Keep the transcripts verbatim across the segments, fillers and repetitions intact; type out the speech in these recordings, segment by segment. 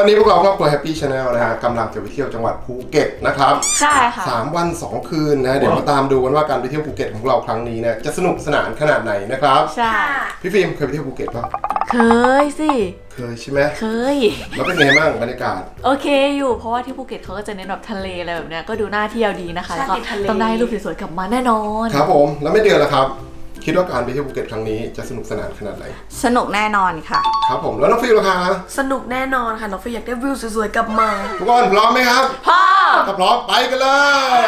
วันนี้พวกเราครอบครัว Happy Channel นะฮะกำลังจะไปเที่ยวจังหวัดภูเก็ตนะครับใช่ค่ะสามวันสองคืนนะเดี๋ยวมาตามดูกันว่าการไปเที่ยวภูเก็ตของเราครั้งนี้เนี่ยจะสนุกสนานขนาดไหนนะครับใช่พี่ฟิล์มเคยไปเที่ยวภูเก็ตป่ะเคยสิเคยใช่ไหมเคยแล้วเป็นไงบ้างบรรยากาศโอเคอยู่เพราะว่าที่ภูเก็ตเขาก็จะเน้นแบบทะเลอะไรแบบเนี้ยก็ดูน่าเที่ยวดีนะคะแล้วก็ต้องได้รูปสวยๆกลับมาแน่นอนครับผมแล้วไม่เดือนละครับคิดว่าการไปเที่ยวภูเก็ตครั้งนี้จะสนุกสนานขนาดไหนสนุกแน่นอนค่ะครับผมแล้วน้องฟิลล่ะคะสนุกแน่นอนค่ะน้องฟิลอยากได้วิวสวยๆกลับมาทุกคนพร้อมไหมครับพร้อมถ้าพร้อมไปกันเลย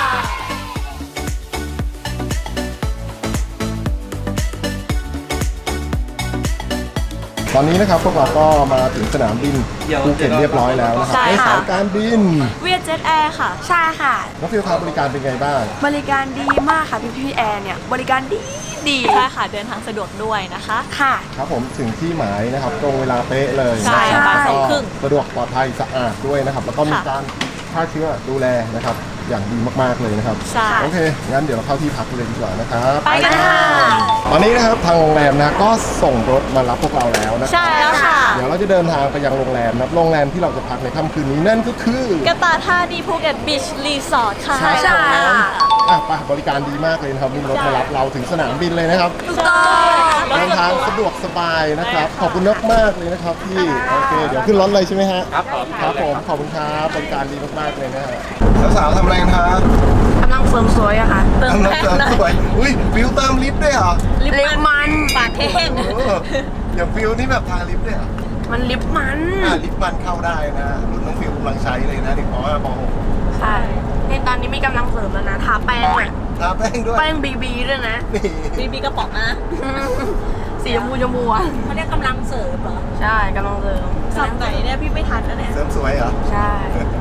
ตอนนี้นะครับพวกเราก็มาถึงสนามบินภูเก็ตเรียบร้อยแล้วนะครับในสายการบินเวียดเจ็ตแอร์ค่ะใช่ค่ะน้องฟิลครับบริการเป็นไงบ้างบริการดีมากค่ะพี่พี่แอร์เนี่ยบริการดีดีใช่ค่ะเดินทางสะดวกด้วยนะคะค่ะครับผมถึงที่หมายนะครับตรงเวลาเป๊ะเลยใช่บ่ายสองครึ่งสะดวกปลอดภัยสะอาดด้วยนะครับแล้วก็มีการฆ่าเชื้อดูแลนะครับอย่างดีมากๆเลยนะครับใช่โอเคงั้นเดี๋ยวเราเข้าที่พักเลยดีกว่านะครับไปกันค่ะตอนนี้นะครับทางโรงแรมนะก็ส่งรถมารับพวกเราแล้วนะใช่แล้วค่ะเดี๋ยวเราจะเดินทางไปยังโรงแรมนะโรงแรมที่เราจะพักในค่ำคืนนี้นั่นก็คือกระตาธานีภูเก็ตบีชรีสอร์ทค่ะใช่ใช่อ่ะไปบริการดีมากเลยนะครับมีรถมารับเราถึงสนามบินเลยนะครับถูกต้องเดินทางสะดวกสบายนะครับขอบคุณมากๆเลยนะครับพี่โอเคเดี๋ยวขึ้นรถเลยใช่ไหมฮะครับผมครับผมขอบคุณครับบริการดีมากๆเลยนะฮะสาวๆทำอะไรกันครับกำลังเฟิร์มสวยอะค่ะเติมน้ำเติมสวยอุ้ยฟิวเติมลิปด้วยเหรอลิปมันปากแห้งอย่างฟิวนี่แบบทาลิปด้วยเหรอมันลิปมันอ่าลิปมันเข้าได้นะรุ่นน้องฟิวกำลังใช้เลยนะเด็กป .ห้า ป .หกใช่ในตอนนี้มีกำลังเสริมแล้วนะทาแป้งอะทาแป้งด้วยแป้งบีบีด้วยนะบีบีกระป๋องนะสีชมพูชมพูอ่ะเขาเรียกกำลังเสริมเหรอใช่กำลังเสริมสับไหนเนี่ยพี่ไม่ทันนะเนี่ยเสริมสวยเหรอใช่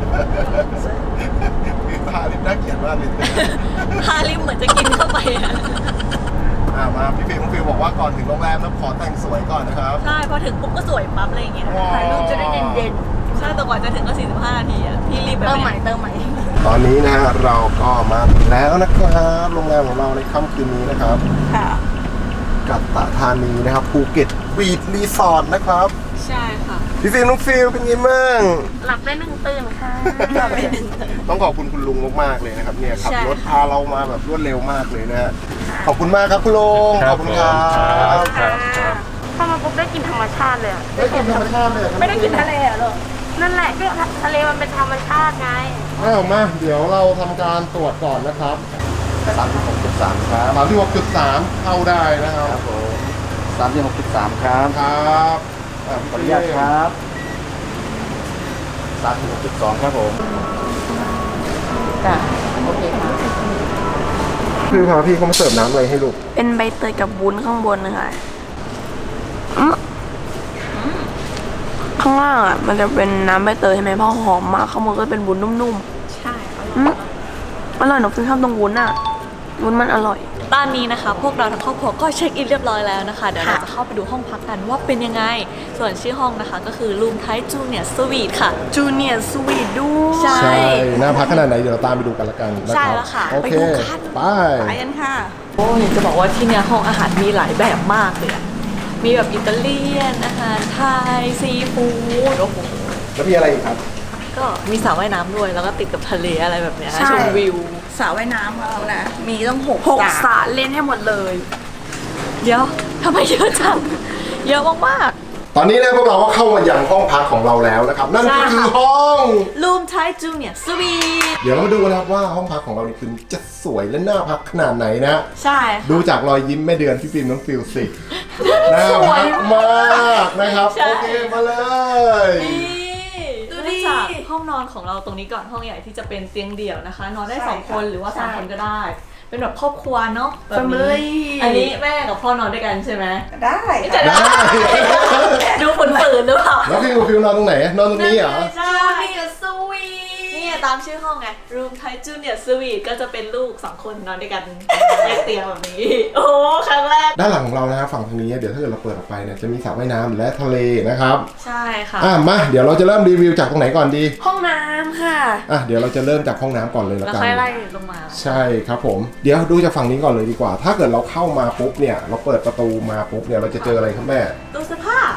ทาลิปน่าเกลียดมากเลยทาลิปเหมือนจะกินเข้าไปอ่ะอ่ามาพี่ฟิวฟิวบอกว่าก่อนถึงโรงแรมแล้วขอแต่งสวยก่อนนะครับใช่พอถึงปุ๊บก็สวยปั๊บอะไรอย่างเงี้ยถ่ายรูปจะได้เด่นๆใช่แต่กว่าจะถึงก็สี่สิบห้านาทีอ่ะพี่รีบไปเติมใหม่เติมใหม่ตอนนี้นะฮะเราก็มาถึงแล้วนะครับโรงแรมของเราในค่ำคืนนี้นะครับค่ะกัตตาธานีนะครับภูเก็ตบีชรีสอร์ทนะครับใช่ค่ะพี่ฟิล์มน้องฟิลเป็นไงบ้างหลับได้หนึ่งตื่นค่ะหลับได้หนึ่งตื่นต้องขอบคุณคุณลุงมากๆเลยนะครับเนี่ยขับรถพาเรามาแบบรวดเร็วมากเลยนะฮะขอบคุณมากครับคุณลุงขอบคุณครับพอมาปุ๊บได้กินธรรมชาติเลยได้กินธรรมชาติเลยไม่ได้กินทะเลหรอนั่นแหละก็ทะเลมันเป็นธรรมชาติไงอ้าวมาเดี๋ยวเราทำการตรวจก่อนนะครับสามสิบหกจุดสามครับสามสิบหกจุดสามเข้าได้นะครับผมสามสิบหกจุดสามครับครับขออนุญาตครับสามสิบหกจุดสองครับผมจ้ะโอเคค่ะคือพาพี่เขามาเสิร์ฟน้ำอะไรให้ลูกเป็นใบเตยกับวุ้นข้างบนนะคะข้างล่างอ่ะมันจะเป็นน้ำใบเตยใช่ไหมเพราะหอมมากข้างบนก็เป็นวุ้นนุ่มๆใช่อร่อยหนูชอบตรงวุ้นอ่ะวุ้นมันอร่อยตอนนี้นะคะพวกเราทั้งครอบครัวก็เช็คอินเรียบร้อยแล้วนะคะเดี๋ยวเราจะเข้าไปดูห้องพักกันว่าเป็นยังไงส่วนชื่อห้องนะคะก็คือรูมไทจูเนียร์สวีทค่ะจูเนียร์สวีทด้วยใช่น่าพักขนาดไหนเดี๋ยวเราตามไปดูกันละกันใช่แล้วค่ะไปดูกันไปไปกันค่ะโอ้ยจะบอกว่าที่เนี่ยห้องอาหารมีหลายแบบมากเลยมีแบบอิตาเลียนอาหารไทยซีฟู้ดโอ้โหแล้วมีอะไรอีกครับก็มีสระว่ายน้ำด้วยแล้วก็ติดกับทะเลอะไรแบบเนี้ยชมวิวสระว่ายน้ำของเรานะมีต้องหกหกสระเล่นให้หมดเลยเดี๋ยวทำไมเยอะจังเยอะมากๆตอนนี้นะพวกเราก็เข้ามายังห้องพักของเราแล้วนะครับนั่นก็คือห้องรูมไทจูเนียร์สวีทเดี๋ยวเรามาดูนะครับว่าห้องพักของเรานี่คือจะสวยและน่าพักขนาดไหนนะใช่ดูจากรอยยิ้มแม่เดือนพี่ฟิล์มน้องฟิลสิน่าพักมากนะครับโอเคมาเลยดูดิห้องนอนของเราตรงนี้ก่อนห้องใหญ่ที่จะเป็นเตียงเดี่ยวนะคะนอนได้สองคนหรือว่าสามคนก็ได้เป็นแบบครอบครัวเนาะแบบนี้อันนี้แม่กับพ่อนอนด้วยกันใช่ไหมได้จะได้ดูฝืนๆหรือเปล่าแล้วฟิลฟิลนอนตรงไหนนอนตรงนี้เหรอใช่สวีทนี่ตามชื่อห้องไง Room Thai Junior Suite ก็จะเป็นลูกสองคนนอนด้วยกันแยกเตียงแบบนี้โอ้ครั้งแรกด้านหลังของเรานะฝั่งทางนี้เดี๋ยวถ้าเกิดเราเปิดออกไปเนี่ยจะมีสระว่ายน้ำและทะเลนะครับใช่ค่ะอ่ะมาเดี๋ยวเราจะเริ่มรีวิวจากตรงไหนก่อนดีห้องน้ำค่ะอ่ะเดี๋ยวเราจะเริ่มจากห้องน้ำก่อนเลยละกันแล้วค่อยไล่ลงมาใช่ครับผมเดี๋ยวดูจากฝั่งนี้ก่อนเลยดีกว่าถ้าเกิดเราเข้ามาปุ๊บเนี่ยเราเปิดประตูมาปุ๊บเนี่ยเราจะเจออะไรครับแม่ตู้เสื้อผ้า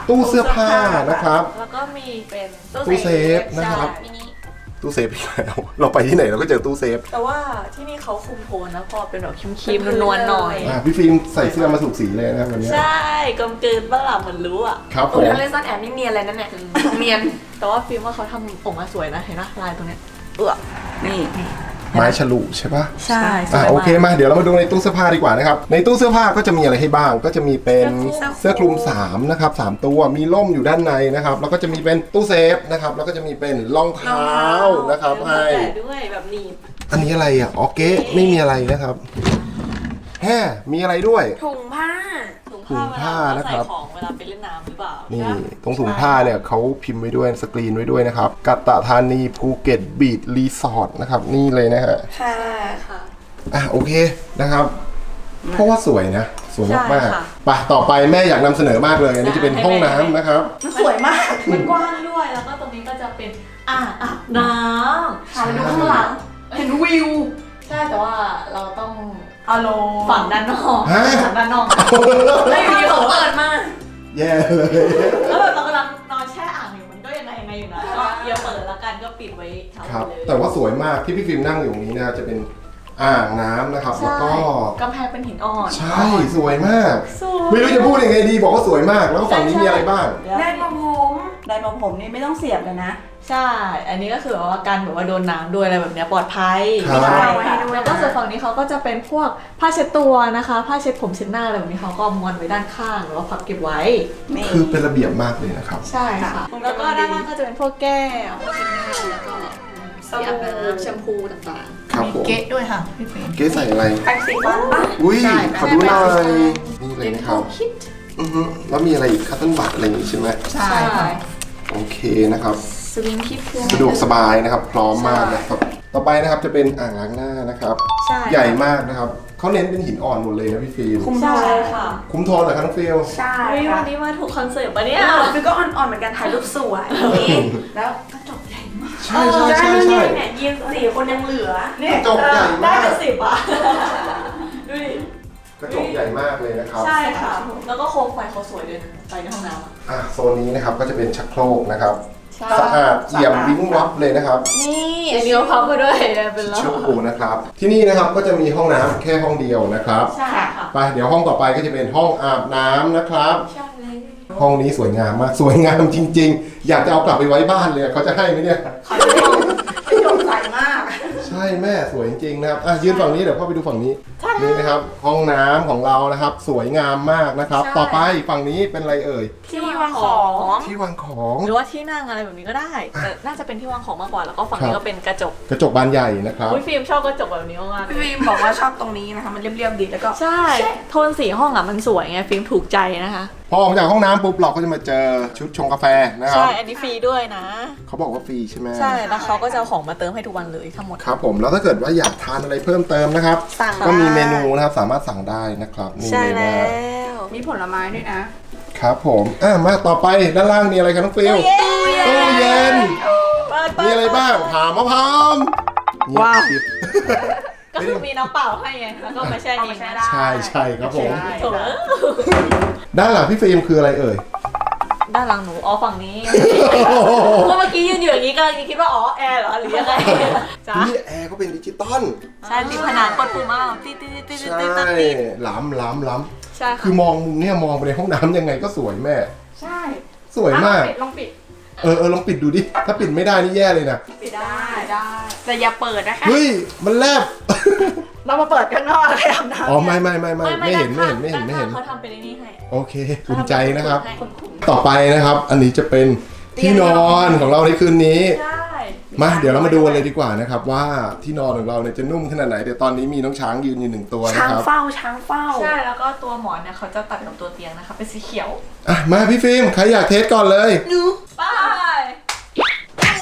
ตู้เสื้อผ้านะครับแล้วก็มีเป็นตู้เซฟนะครับใช่ตู้เซฟอีกแล้วเราไปที่ไหนเราก็เจอตู้เซฟแต่ว่าที่นี่เขาคุมโทนนะพอเป็นแบบครีมๆนวลๆหน่อยอ่ะพี่ฟิล์มใส่เสื้อมาถูกสีเลยนะครับวันนี้ใช่กลมกลืนบ้างล่ะเหมือนรู้อ่ะครับผโอ้ยมถ้าเล่นซ่อนแอบนี่เนียนเลยนั่นเนี่ยเนียนแต่ว่าฟิล์มว่าเขาทำผมมาสวยนะเห็นไหมลายตรงเนี้ยเออนี่ไม้ฉลุใช่ปะใช่สอ่ะวยโอมากเคมาเดี๋ยวเรามาดูในตู้เสื้อผ้าดีกว่านะครับในตู้เสื้อผ้าก็จะมีอะไรให้บ้าง ก็จะมีเป็นเสื้อคลุมสามนะครับสามตัวมีร่มอยู่ด้านในนะครับแล้วก็จะมีเป็นตู้เซฟนะครับแล้วก็จะมีเป็นรองเท้านะครับให้แต่ด้วยแบบหนีบอันนี้อะไรอ่ะอ๋อเก๊ะไม่มีอะไรนะครับแฮ่มีอะไรด้วยถุงผ้าถุงถุงผ้าผ้านะครับใส่ของเวลาไปเล่นน้ำหรือเปล่านี่ใช่ปะตรงถุงผ้าเนี่ยเขาพิมพ์ไว้ด้วยสกรีนไว้ด้วยนะครับกัตตะธานีภูเก็ตบีชรีสอร์ทนะครับนี่เลยนะฮะค่ะค่ะอ่ะโอเคนะครับ เพราะว่าสวยนะ สวยมากใช่ค่ะๆไปต่อไปแม่อยากนำเสนอมากเลย อันนี้จะเป็นห้องน้ำนะครับมันสวยมากมันกว้างด้วยแล้วก็ตรงนี้ก็จะเป็นอ่างอาบน้ำค่ะดูข้างหลังเห็นวิวใช่แต่ว่าเราต้องฮัลโหลฝั่งด้านนอกฮะฝั่งด้านนอกไม่มีเขาเปิดมาแย่เลยแล้วแบบเรากำลังนอนแช่อ่างอยู่มันก็ยังไงยังไงอยู่นะก็เดี๋ยวเปิดแล้วกันก็ปิดไว้เช้าครับเลยแต่ว่าสวยมากที่พี่ฟิล์มนั่งอยู่ตรงนี้นะจะเป็นอ่างน้ำนะครับ แล้วใช่ก็กำแพงเป็นหินอ่อนใช่สวยมากสวยไม่รู้จะพูดยังไงดีบอกว่าสวยมาก แล้วก็ฝั่งนี้มีอะไรบ้างได้มาผมไดร์มาผมนี่ไม่ต้องเสียบเลยนะใช่ อันนี้ก็คือแบบว่าการแบบว่าโดนน้ำด้วยอะไรแบบเนี้ยปลอดภัยครับใช่เอาไว้ให้ด้วยแล้วก็ส่วนฝั่งนี้เขาก็จะเป็นพวกผ้าเช็ดตัวนะคะ ผ้าเช็ดผมเช็ดหน้าอะไรแบบนี้เขาก็ม้วนไว้ด้านข้างหรือว่าพับเก็บไว้นี่คือเป็นระเบียบมากเลยนะครับใช่ค่ะ แล้วก็ด้านล่างก็จะเป็นพวกแก้วผ้าเช็ดหน้าแล้วก็สีอาบน้ำแชมพูต่างครับผมเก๊ะด้วยค่ะพี่เฟรมเก๊ใส่อะไรแปรงสีฟันปะอุ้ยใช่ขอดูหน่อยนี่ๆเลยนะครับอือฮึแล้วมีอะไรอีกคัตเติ้ลบัตอะไรอย่างงี้ใช่ไหมใช่ค่ะโอเคนะครับสวิงคิดเพื่อนสะดวกสบายนะครับ พร้อมมากนะครับ ต่อไปนะครับจะเป็นอ่างล้างหน้านะครับใช่ใหญ่มากนะครับเขาเน้นเป็นหินอ่อนหมดเลยนะพี่ฟิล์มคุ้มใช่ค่ะคุ้มโทนเหรอครับน้องฟิลใช่เฮ้ยค่ะวันนี้มาถูกคอนเซ็ปต์ปะเนี่ยฟิวก็อ่อนๆเหมือนกันถ่ายรูปสวยนี่แล้วกระจกใหญ่มากใช่ใช่ใช่ได้ใช่เนี่ยยืนสี่คนยังเหลือนี่กระจกใหญ่ได้มากเป็นสิบอ่ะ ดูดิกระจกใหญ่มากเลยนะครับใช่ค่ะ แล้วก็โคมไฟเขาสวยด้วยนะไฟในห้องน้ำอะอ่ะโซนนี้นะครับก็จะเป็นชักโครกนะครับใช่สะอาดเอี่ยมวิ้งวับเลยนะครับนี่อันนี้เขาพับไปด้วยเป็นล้อชูนะครับ ที่นี่นะครับก็จะมีห้องน้ำแค่ห้องเดียวนะครับใช่ค่ะไปเดี๋ยวห้องต่อไปก็จะเป็นห้องอาบน้ำนะครับใช่เลยห้องนี้สวยงามมากสวยงามจริง ๆ อยากจะเอากลับไปไว้บ้านเลยเขาจะให้ไหมเนี่ยขอดูห้องกระจกใสมากใช่แม่สวยจริงๆนะครับอ่ะยืนฝั่งนี้เดี๋ยวพ่อไปดูฝั่งนี้นี่นะครับ ห้องน้ำของเรานะครับ สวยงามมากนะครับ ต่อไปฝั่งนี้เป็นอะไรเอ่ยที่วางของที่วางของหรือว่าที่นั่งอะไรแบบนี้ก็ได้ แต่น่าจะเป็นที่วางของมากกว่า แล้วก็ฝั่งนี้ก็เป็นกระจกกระจกบานใหญ่นะครับอุ้ยฟิล์มชอบกระจกแบบนี้มากๆเลพี่ยฟิล์มบอกว่าชอบตรงนี้นะคะ มันเรียบๆดีแล้วก็ใช่ โทนสีห้องอ่ะมันสวยไงฟิล์มถูกใจนะคะพอออกจากห้องน้ำปุ๊บเราก็จะมาเจอชุดชงกาแฟนะครับใช่ อันนี้ฟรีด้วยนะเขาบอกว่าฟรีใช่ไหมใช่ แล้วเขาก็จะเอาของมาเติมให้ทุกวันเลยทั้งหมดครับผมแล้วถ้าเกิดว่าอยากทานอะไรเพิ่มเติมนะครับสั่งก็มีได้เมนูนะครับสามารถสั่งได้นะครับนี่ใช่เลยแล้นะวมีผลไม้ด้วยนะครับผมอ่ะมาต่อไปด้านล่างมีอะไรครับน้องฟิลตู้เย็นเปิดเปิดมีอะไรบ้างผ่ามะพร้าวเงียบว้าวกริบก็คือมีน้ำเปล่าให้ไง แล้วก็มาแช่เองนะใช่ใช่ครับผมโถด้านหลังพี่ฟิล์มคืออะไรเอ่ยด้านหลังหนู อ๋อฝั่งนี้ก็เมื่อกี้ยืนอยู่อย่างนี้ก็ยังคิดว่า อ๋อ แอร์เหรอ หรือยังไงจ้านี่แอร์ก็เป็นดิจิตอลใช่ติดผนังกดปุ่มเอาติดติดติดติดใช่ติดติดติดล้ำล้ำล้ใช่ำคืค่ะอมองมุมเนี่ยมองไปในห้องน้ำยังไงก็สวยแม่ใช่สวยมากลองปิดเออเออลองปิดดูดิ ถ้าปิดไม่ได้นี่แย่เลยนะปิดได้ได้ แต่อย่าเปิดนะคะเฮ้ย มันแลบเรามาเปิดข้างนอกเลยอาบน้ำอ๋อไม่ไม่ไม่ไม่ไม่เห็นไม่เห็นไม่เห็นไม่เห็นเขาทำเป็นไอ้นี่ให้โอเคภูมิใจนะครับคนขุนต่อไปนะครับ อันนี้จะเป็นที่นอนของเราในคืนนี้ใช่มาเดี๋ยวเรามาดูกันเลยดีกว่านะครับ ว่าที่นอนของเราเนี่ยจะนุ่มขนาดไหนเดี๋ยวตอนนี้มีน้องช้างยืนอยู่หนึ่งตัวช้านะงครับเฝ้าช้างเฝ้าใช่ แล้วก็ตัวหมอนเนี่ยเขาจะตัดกับตัวเตียงนะคะ เป็นสีเขียวอ่ะมาพี่ฟิล์มใครอยากเทสก่อนเลยไปโอ้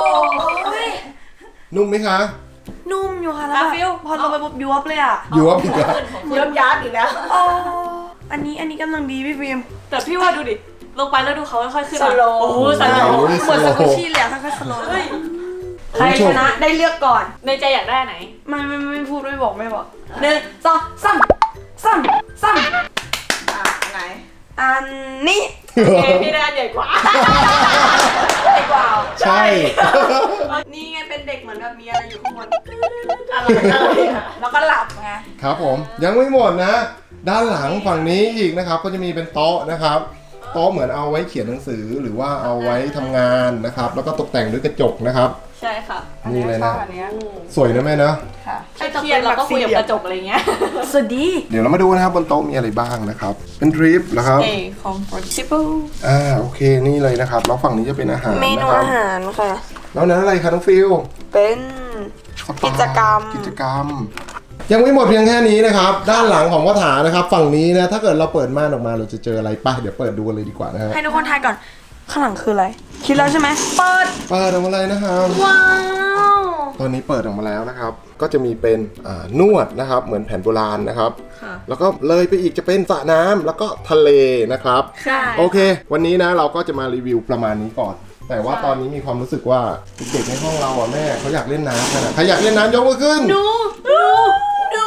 นุ่มไหมคะนุ่มอยู่ค่ะแล้วอ่ะแบบฟิวพอลงไปปุ๊บยวบเลยอ่ะอยู่ว่าผิดอะเยิ้มย้านอีกแล้วโอ้อันนี้อันนี้กำลังดีพี่ฟิล์มแต่พี่ว่าดูดิ ลงไปแล้วดูเขาค่อยๆขึ้นมาสโลว์โอ้โหสโลว์โอ้ยเหมือนสกูชี่เลยอะค่อยๆสโลว์เฮ้ยใครชนะได้เลือกก่อนในใจอยากได้อันไหนไม่ไม่ไม่พูดไม่บอกไม่บอกหนึ่งสองสามสามสามอ่ะไหนอันนี้โอเคพี่ได้ใหญ่กว่าใหญ่กว่าใช่นี่ไงเป็นเด็กเหมือนแบบมีอะไรอยู่ข้างบนอะไรอะไรอะแล้วก็หลับไงครับผมยังไม่หมดนะ ด้านหลังฝั่งนี้อีกนะครับ ก็จะมีเป็นโต๊ะนะครับโต๊ะเหมือนเอาไว้เขียนหนังสือหรือว่าเอาไว้ทำงานนะครับ แล้วก็ตกแต่งด้วยกระจกนะครับใช่ค่ะนี่เลยนะอันเนี้ยสวยนะแม่นะค่ะถ้าจะเป็นเราก็คุยกับกระจกอะไรเงี้ยสวัสดีเดี๋ยวเรามาดูนะครับบนโต๊ะมีอะไรบ้างนะครับ เป็นทริปนะครับ A comfortable อ่าโอเคนี่เลยนะครับแล้วฝั่งนี้จะเป็นอาหารเมนูนะครับอาหารค่ะแล้วนั้นอะไรคะน้องฟิลเป็นสปากิจกรรมกิจกรรม ยังไม่หมดเพียงแค่นี้นะครับ ด้านหลังของพ่อถานะครับ ฝั่งนี้นะถ้าเกิดเราเปิดม่านออกมาเราจะเจออะไรป่ะเดี๋ยวเปิดดูกันเลยดีกว่านะฮะให้ทุกคนทายก่อน ข้างหลังคืออะไร คิดแล้วใช่ไหมเปิดเปิดออกมาเลยนะครับว้าวตอนนี้เปิดออกมาแล้วนะครับ ก็จะมีเป็นอ่านวดนะครับ เหมือนแผนโบราณนะครับค่ะแล้วก็เลยไปอีกจะเป็นสระน้ำแล้วก็ทะเลนะครับใช่โอเค วันนี้นะเราก็จะมารีวิวประมาณนี้ก่อน แต่ว่าตอนนี้มีความรู้สึกว่าเด็กๆในห้องเราอ่ะแม่เขาอยากเล่นน้ำกันอะใครอยากเล่นน้ำยกมือขึ้นดูดูดู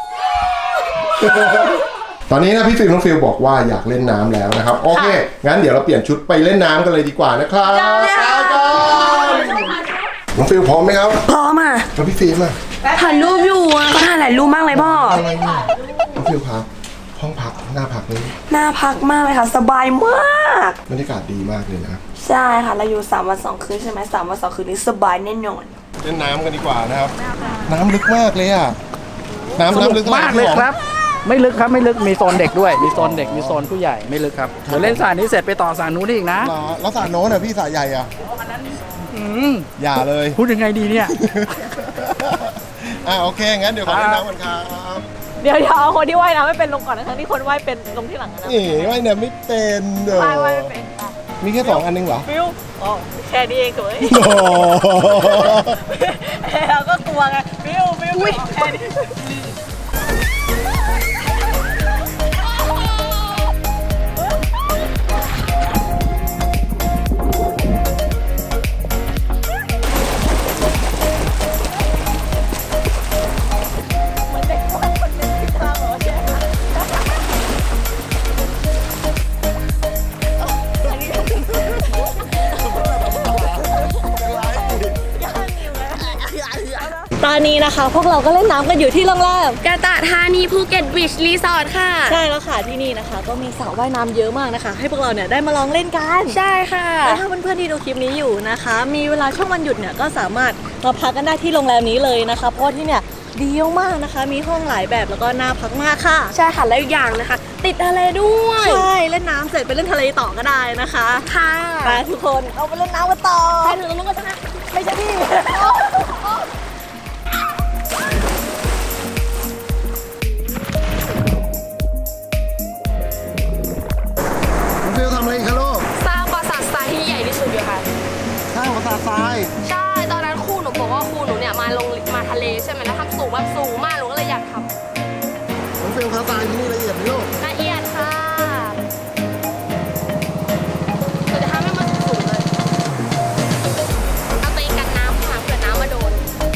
ตอนนี้นะพี่ฟิลน้องฟิลบอกว่าอยากเล่นน้ำแล้วนะครับ โอเค งั้นเดี๋ยวเราเปลี่ยนชุดไปเล่นน้ำกันเลยดีกว่านะครับน้องฟิลพร้อมไหมครับพร้อมอ่ะแล้วพี่ฟิล์มอ่ะถ่ายรูปอยู่อ่ะก็ถ่ายหลายรูปมากเลยพ่ออะไรเนี่ยน้องฟิลครับห้องพักหน้าพักนี้น่าพักมากเลยค่ะ สบายมากบรรยากาศดีมากเลยนะใช่ค่ะ เราอยู่สามวันสองคืนใช่ไหมสามวันสองคืนนี้สบายแน่นอนเล่นน้ำกันดีกว่านะครับ น้ำลึกมากเลยอ่ะ น้ำสนุน้ำลึกกมากเลยครับ ไม่ลึกครับไม่ลึกมีโซนเด็กด้วย มีโซนเด็กมีโซนผู้ใหญ่ไม่ลึกครับเดี๋ยวเล่นสระนี้เสร็จไปต่อสระนู้นได้อีกนะเหรอแล้วสระโน้นอ่ะพี่สระใหญ่อ่ะอืมอย่าเลยพูดยังไงดีเนี่ยอ่ะโอเค งั้นเดี๋ยวขอเล่นน้ำกันครับเดี๋ยวเดี๋ยวเอาคนที่ว่ายน้ำไม่เป็นลงก่อนนะคะที่คนว่ายเป็นลงที่หลังนะนี่ว่ายน้ำไม่เป็นเด้อว่ายว่ายไม่เป็นค่ะมีแค่สองอันนึงเหรอฟิวอ๋อแค่นี้เองเถอะโอ้โหเราก็กลัวไงฟิวฟิวฟิวแค่นี้ ตอนนี้นะคะ พวกเราก็เล่นน้ำกันอยู่ที่โรงแรมกระตะธานีภูเก็ตบีชรีสอร์ทค่ะใช่แล้วค่ะที่นี่นะคะ ก็มีสระว่ายน้ำเยอะมากนะคะ ให้พวกเราเนี่ยได้มาลองเล่นกันใช่ค่ะและถ้าเพื่อนๆที่ดูคลิปนี้อยู่นะคะ มีเวลาช่วงวันหยุดเนี่ยก็สามารถมาพักกันได้ที่โรงแรมนี้เลยนะคะ เพราะว่าที่เนี่ยดีมากนะคะ มีห้องหลายแบบแล้วก็น่าพักมากค่ะใช่ค่ะแล้วอีกอย่างนะคะ ติดทะเลด้วยใช่เล่นน้ำเสร็จไปเล่นทะเลต่อก็ได้นะคะค่ะไปทุกคนเอาไปเล่นน้ำกันต่อใครถึงตรงนู้นก็ชนะไม่ใช่พี่น้องฟิลทำอะไรอีกคะลูกสร้างปราสาททรายที่ใหญ่ที่สุดอยู่ค่ะสร้างปราสาททรายใช่ ตอนนั้นครูหนูบอกว่าครูหนูเนี่ยมาลงมาทะเลใช่ไหมแล้วทำสูงแบบสูงมากหนูก็เลยอยากทน้องฟิลคะทรายที่นี่ละเอียดไหมลูกำละเอียดค่ะหนูจะทำให้มันสูงๆเลย เอาตัวเองกันน้ำค่ะเผื่อน้ำมาโดน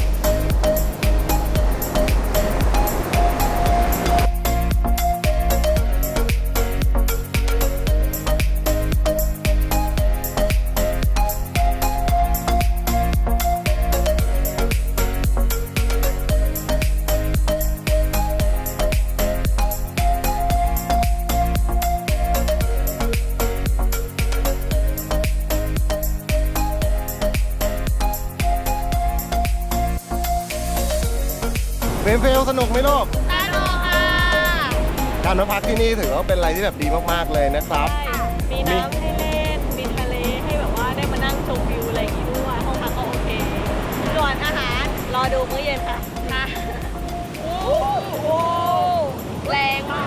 เฟลเฟลสนุกไหมลูกสนุกค่ะการมาพักที่นี่ถือว่าเป็นอะไรที่แบบดีมากๆเลยนะครับมีน้ำให้เล่น มีทะเลให้แบบว่าได้มานั่งชมวิวอะไรอย่างงี้ด้วย ห้องพักก็โอเค ส่วนอาหารรอดูมื้อเย็นค่ะค่ะโอ้โหแรงมาก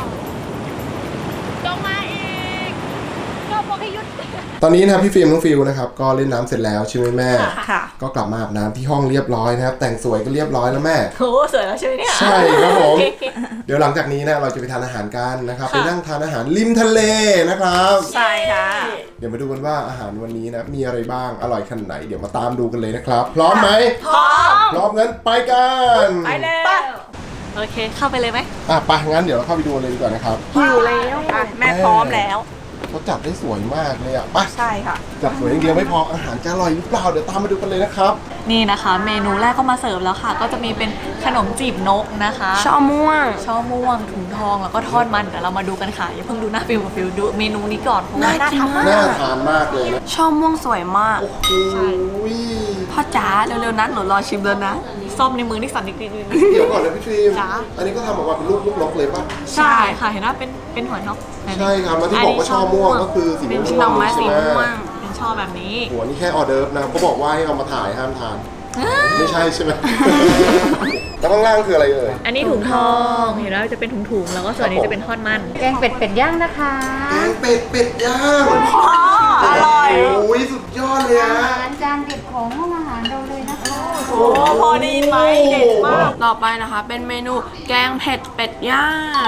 จงมาอีกก็บอกให้หยุดตอนนี้นะครับพี่ฟิล์มน้องฟิลนะครับก็เล่นน้ำเสร็จแล้วใช่ไหมแม่ค่ะก็กลับมาอาบน้ำที่ห้องเรียบร้อยนะครับ แต่งสวยก็เรียบร้อยแล้วแม่โอ้สวยแล้วใช่ไหมเนี่ยใช่ครับผม เดี๋ยวหลังจากนี้นะเราจะไปทานอาหารกันนะครับ ไปนั่งทานอาหารริมทะเลนะครับใช่ค่ะเดี๋ยวมาดูกันว่าอาหารวันนี้นะมีอะไรบ้างอร่อยขนาดไหนเดี๋ยวมาตามดูกันเลยนะครับ พร้อมไหมพร้อมพร้อมงั้นไปกันไปเลยโอเค เข้าไปเลยไหมอ่ะไปงั้นเดี๋ยวเราเข้าไปดูกันเลยดีกว่านะครับหิวแล้วอ่ะแม่พร้อมแล้วเขาจัดได้สวยมากเลยอ่ะไปใช่ค่ะจัดสวยอย่างเดียวไม่พออาหารจะอร่อยหรือเปล่าเดี๋ยวตามมาดูกันเลยนะครับนี่นะคะ เมนูแรกก็มาเสิร์ฟแล้วค่ะ ก็จะมีเป็นขนมจีบนกนะคะช่อม่วงช่อม่วงถุงทองแล้วก็ทอดมันเดี๋ยวเรามาดูกันค่ะอย่าเพิ่งดูหน้าฟิลกับฟิลดูเมนูนี้ก่อนเพราะว่าน่าทานมากน่าทานมากเลยนะช่อม่วงสวยมากโอ้โหพ่อจ๋าเร็วๆนะหนูรอชิมแล้วนะส้มในมือนี่สั่นนิดนึงเดี๋ยวก่อนนะพี่ฟิล์มจ๊ะอันนี้ก็ทำออกมาเป็นรูปลูกนกเลยป่ะใช่ค่ะเห็นว่าเป็นเป็นหัวนกใช่ครับแล้วที่บอกว่าช่อม่วงก็คือสีม่วงเป็นดอกไม้สีม่วงเป็นช่อแบบนี้หัวนี่แค่ออเดิร์ฟนะเขาบอกว่าให้เอามาถ่ายห้ามทาน ไม่ใช่ใช่ไหม แล้วข้างล่างคืออะไรเอ่ยอันนี้ถุงทองเห็นแล้วจะเป็นถุงๆแล้วก็ส่วนนี้จะเป็นทอดมันแกงเป็ดเป็ดย่างนะคะแกงเป็ดเป็ดย่างอร่อยโอ้ยสุดยอดเลยอาอะหารจานเด็ดของห้องอาหารเราเลยนะคะโอ้พอได้ยินไหมเด็ดมากต่อไปนะคะ เป็นเมนูแกงเผ็ดเป็ดย่าง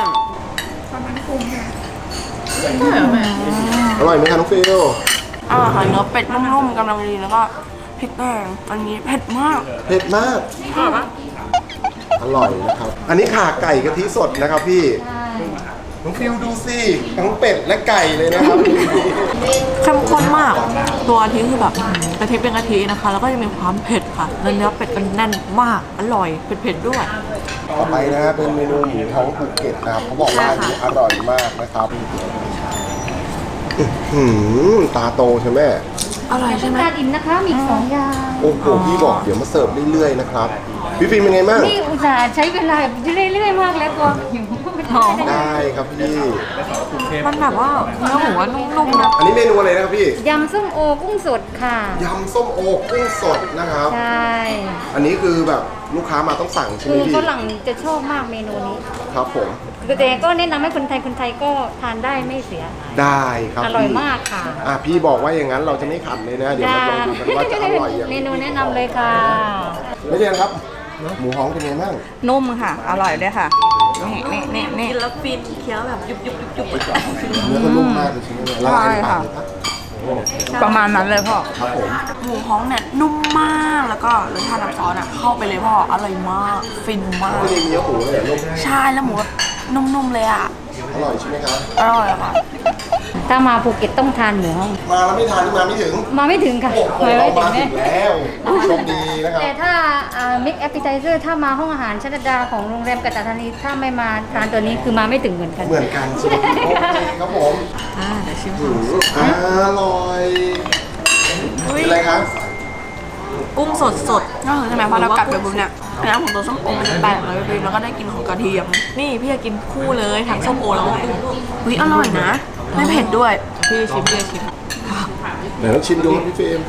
อร่อยไหมคะน้องฟิลอ่าค่ะเนื้อเป็ดนุ่มๆกำลังดีแล้วก็พริกแกงอันนี้เผ็ดมากเผ็ดมาก อร่อยนะครับ อันนี้ขาไก่กะทิสดนะครับพี่ใช่น้องฟิลดูสิทั้งเป็ดและไก่เลยนะครับเข้มข้นมาก ตัวกะทิคือแบบกะทิเป็นกะทินะคะ แล้วก็จะมีความเผ็ดค่ะแล้วเนื้อเป็ดมันแน่นมาก อร่อย เผ็ดๆด้วยต่อไปนะฮะเป็นเมนูหมูท้องภูเก็ตนะครับเขาบอกว่าอันนี้อร่อยมากนะครับอื้อหือตาโตใช่ไหมอร่อยใช่ไหมตาดินนะคะ มีอีกสองอย่างโอ้โหพี่บอกเดี๋ยวมาเสิร์ฟเรื่อยๆนะครับพี่ฟิล์มเป็นไงบ้างนี่อุตส่าห์ใช้เวลาเรื่อยๆมากแล้วตัวหิวไม่ได้นะได้ครับพี่มันแบบว่าเนื้อหมูว่านุ่มๆนะอันนี้เมนูอะไรนะครับพี่ยำส้มโอกุ้งสดค่ะยำส้มโอกุ้งสดนะครับใช่อันนี้คือแบบลูกค้ามาต้องสั่งใช่ไหมคือพี่ฝรั่งจะชอบมากเมนูนี้ครับผมแต่ก็แนะนำให้คนไทยคนไทยก็ทานได้ไม่เสียได้ครับอร่อยพี่มากค่ะอ่ะพี่บอกว่าอย่างนั้นเราจะไม่ขัดเลยนะ เดี๋ยวมาลองดูกันว่าจะอร่อยอย่างเมนูแนะนำเลยค่ะไม่ใช่ครับ หมูฮ้องเป็นไงบ้างนุ่มค่ะ อร่อยด้วยค่ะ นี่นี่นี่นี่กินแล้วฟินเคี้ยวแบบยุบยุบยุบยุบเนื้อก็นุ่มมากเลยใช่ไหมเนี่ยละลายในปากเลยครับประมาณนั้นเลยพ่อครับผมหมูฮ้องเนี่ยนุ่มมากแล้วก็รสชาติน้ำซอสอ่ะเข้าไปเลยพ่ออร่อยมากฟินมากไม่ได้มีเนื้อหมูเลยเหรอลูกใช่แล้วหมูแบบนุ่มๆเลยอ่ะอร่อยใช่ไหมครับอร่อยอะค่ะถ้ามาภูเก็ตต้องทานหมูฮ้องมาแล้วไม่ทานนี่มาไม่ถึงมาไม่ถึงค่ะโอ้โหมาเราไม่ถึมาง ถึแน่งแล้วโชคดีนะครับแต่ถ้ามิกแอปเปิลไทเซอร์ถ้ามาห้องอาหารชันดาของโรงแรมกัตตาธานีถ้าไม่มาทานตัวนี้คือมาไม่ถึงเหมือนกันเหมือนกันใช่ไหมโอเคครับผมอ่าเดี๋ยวชิมอืมอร่อยเป็นอะไรครับกุ้งสดสดก็คือใช่ไหมพอเรากัดไปปุ๊บเนี่ยน้ำของตัวส้มโอมันจะแตกเลยพี่แล้วก็ได้กลินของกระเทียมๆนี่พี่จะกินคู่เลยทั้งส้มโอแล้วก็กุ้งอุ้ยอร่อยนะ ไม่เผ็ดด้วยพี่ชิมพี่ชิมเดี๋ยวต้องชิมดูครับพี่ฟิล์ม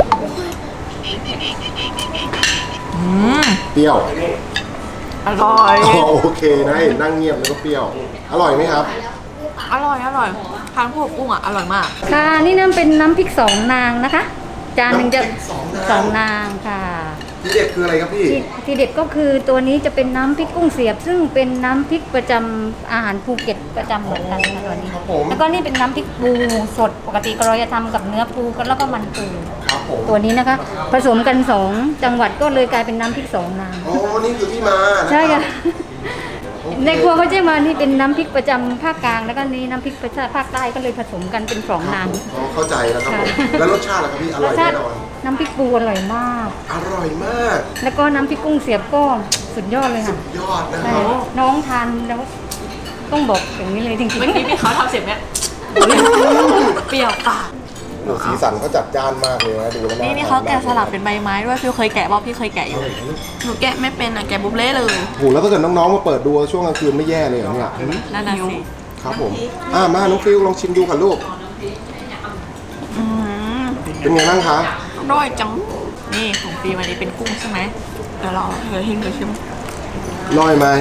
เปรี้ยวอร่อยอ๋อโอเคนะเห็นนั่งเงียบแล้วก็เปรี้ยว อร่อยไหมครับอร่อยอร่อยทานคู่กับกุ้งอ่ะอร่อยมากค่ะนี่น้ำเป็นน้ำพริกสองนางนะคะ จานหนึ่งจะน้ำพริกสองนางสองนางค่ะทีเด็ดคืออะไรครับพี่ที่ที่เด็ดก็คือตัวนี้จะเป็นน้ำพริกกุ้งเสียบ ซึ่งเป็นน้ำพริกประจำอาหารภูเก็ตประจำเหมือนกันค่ะตัวนี้ครับผมแล้วก็นี่เป็นน้ำพริกปูสดปกติเราจะทำกับเนื้อปูแล้วก็มันปูครับผมตัวนี้นะคะ ผสมกันสองจังหวัดก็เลยกลายเป็นน้ำพริกสองนางอ๋อ นี่คือที่มานะใช่ครัค่ะบในครัวเขาจะมานี่เป็นน้ำพริกประจำภาคกลางแล้วก็นี่น้ำพริกประจำภาคใต้ก็เลยผสมกันเป็นสองนางอ๋อ เข้าใจแล้วครับผมค่ะแล้วรสชาติล่ะครับพี่ อรร่อสยชาแน่ตินอนน้ำพริกปูอร่อยมากอร่อยมากแล้วก็น้ำพริกกุ้งเสียบก็สุดยอดเลยค่ะยอดนะคใช่รับน้องทานแล้วต้องบอกอย่างนี้เลยจริงเมื่อกี้พี่เขาทำเสียงเนี้ยเปรี้ยวปากโอ้สีสันเขาจัดจ้านมากเลยนะ ดูแล้วนี่นี่เขาแกะสลักเป็นใบไม้ด้วยพี่เคยแกะบอกพี่เคยแกะอยู่หนูแกะไม่เป็นอ่ะแกะบุบเล่เลยโหแล้วถ้าเกิดน้องๆ มาเปิดดูช่วงกลางคืนไม่แย่เลยเหรอเนี่ยนั่นน่ะสิครับผม อ่ามาน้องฟิวลองชิมดูค่ะลูกอืมเป็นไงบ้างคะอร่อยจังนี่ของปีวันนี้เป็นกุ้งใช่ไหมเดี๋ยวเราเดี๋ยวทิ้งเดี๋ยวชิมลอยไหม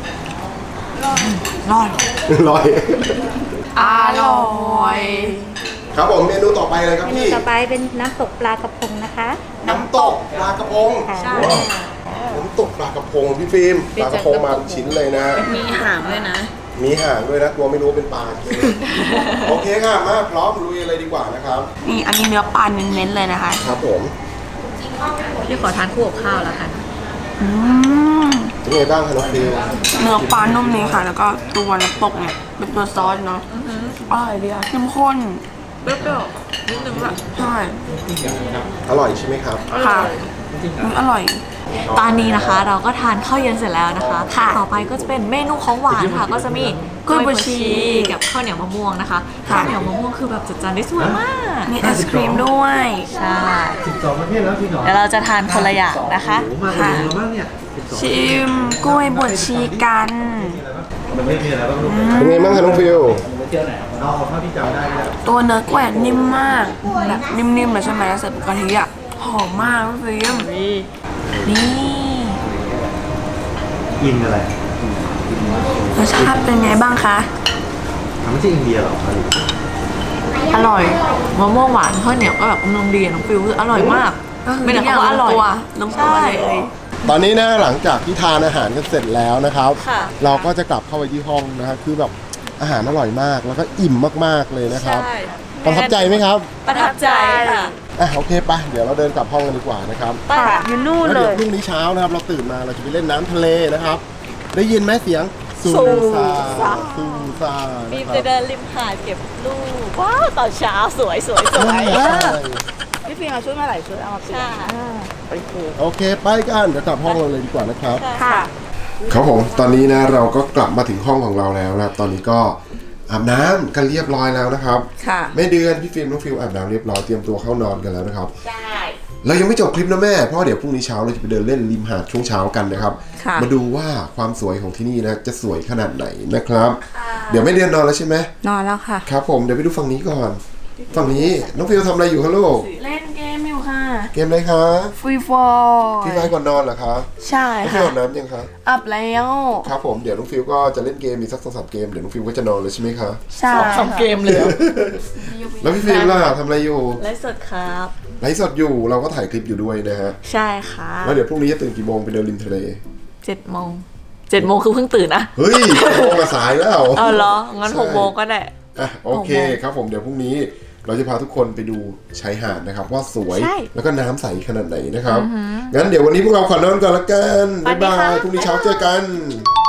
ร่อยลอยอร่อยครับผมเมนูต่อไปเลยครับๆเมนูพี่ต่อไปเป็นน้ำตกปลากระพงนะคะน้ำตกปลากระพงค่ะใช่น้ำตกปลากระพงพี่ฟิล์มปลากระพงมาเป็นชิ้นเลยนะมีหางด้วยนะมีห่างด้วยนะกลัวไม่รู้ว่าเป็นปลาจริง โอเคค่ะมาพร้อมลุยเลยดีกว่านะครับนี่อันนี้เนื้อปลาเน้นๆเลยนะคะครับผมพี่ขอทานคู่กับข้าวแล้วกันอืมเป็นยังไงบ้างคะน้องฟิวเนื้อปลานุ่มนี้ค่ะ แล้วก็ตัวน้ำตกเนี่ยเป็นตัวซอสเนาะอร่อยดีอะเข้มข้นเปรี้ยวๆนิดนึงแบบใช่อร่อยใช่ไหมครับค่ะอร่อยตอนนี้นะคะเราก็ทานข้าวเย็นเสร็จแล้วนะคะค่ะต่อไปก็จะเป็นเมนูของหวานค่ะ ก็จะมีกล้วยบวชชีกับข้าวเหนียวมะม่วงนะคะค่ะข้าวเหนียวมะม่วงคือแบบจัดจานได้สวยมากมีไอศครีมด้วยใช่เดี๋ยวเราจะทานคนละอย่างนะคะค่ะชิมกล้วยบวชชีกันเป็นไงบ้างคะน้องฟิวตัวเนื้อกล้วยนิ่มมากแบบนิ่มๆเลยใช่ไหมแล้วใส่กะทิอ่ะหอมมากพี่ฟิล์มนี่อินอะไรรสชาติเป็นไงบ้างคะทำไม่ใช่อินเดียหรออร่อยมะม่วงหวานข้าวเหนียวก็แบบกำลังดีอะน้องฟิวคืออร่อยมาก ไม่ได้คำว่าอร่อยลงตัวเลยตอนนี้นะหลังจากที่ทานอาหารกันเสร็จแล้วนะครับค่ะเราก็จะกลับเข้าไปที่ห้องนะครับคือแบบอาหารอร่อยมากแล้วก็อิ่มมากๆเลยนะครับใช่ประทับใจไหมครับประทับใจค่ะอ่ะโอเคไปเดี๋ยวเราเดินกลับห้องกันดีกว่านะครับไปค่ะอยู่นู่นแล้วเลเดี๋ยวย พรุ่งนี้เช้านะครับเราตื่นมาเราจะไปเล่นน้ำทะเลนะครับ ได้ยินไหมเสียงซูซาซูซาบีมนะคจะรับเดินริมหาดเก็บลูกว้าวตอนเช้าสวยสวยสวยใช่พี่ฟิล์มเอาชุดมาหลายชุดเอามาเปลี่ยใช่นโอเคโอเคไปกันเดี๋ยวกลับห้องเราเลยดีกว่านะครับค่ะครับผมตอนนี้นะเราก็กลับมาถึงห้องของเราแล้วนะครับ ตอนนี้ก็อาบน้ำกันเรียบร้อยแล้วนะครับค่ะแม่เดือนพี่ฟิล์มน้องฟิลอาบน้ำเรียบร้อยเตรียมตัวเข้านอนกันแล้วนะครับใช่เรายังไม่จบคลิปนะแม่เพราะเดี๋ยวพรุ่งนี้เช้าเราจะไปเดินเล่นริมหาดช่วงเช้ากันนะครับค่ะมาดูว่าความสวยของที่นี่นะจะสวยขนาดไหนนะครับ เดี๋ยวแม่เดือนนอนแล้วใช่ไหมนอนแล้วค่ะครับผมเดี๋ยวไปดูฝั่งนี้ก่อนฝั่งนี้น้องฟิลทำอะไรอยู่คะลูกเล่นเกมอยู่ค่ะเกมอะไรคะฟรีฟอร์พี่ไฟก่อนนอนเหรอคะใช่น้องฟิค่ะลอาบน้ำยังคะอัพแล้วครับผมเดี๋ยวน้องฟิลก็จะเล่นเกมมีสักสองสามเกมเดี๋ยวน้องฟิลก็จะนอนเลยใช่ไหมคะใช่สองเกมเลยเหรอแล้วพี่ฟิล์มล่ะทำอะไรอยู่ไลฟ์สดครับไลฟ์สดอยู่เราก็ถ่ายคลิปอยู่ด้วยนะฮะใช่ค่ะแล้วเดี๋ยวพรุ่งนี้จะตื่นกี่โมงไปเดินริมทะเลเจ็ดโมงเจ็ดโมงคือเพิ่งตื่นนะเฮ้ยโมงมาสายแล้วเอาเหรอ งั้นหกโมงก็ได้อ่ะโอเคหกโมงครับผมเดี๋ยวพรุ่งนี้เราจะพาทุกคนไปดูชายหาดนะครับ ว่าสวยใช่แล้วก็น้ำใสขนาดไหนนะครับงั้นเดี๋ยววันนี้พวกเราขอนอนก่อนละกันสวับ๊าสยดีบาค่ะยพรุ่งนี้เช้าเจอกันบ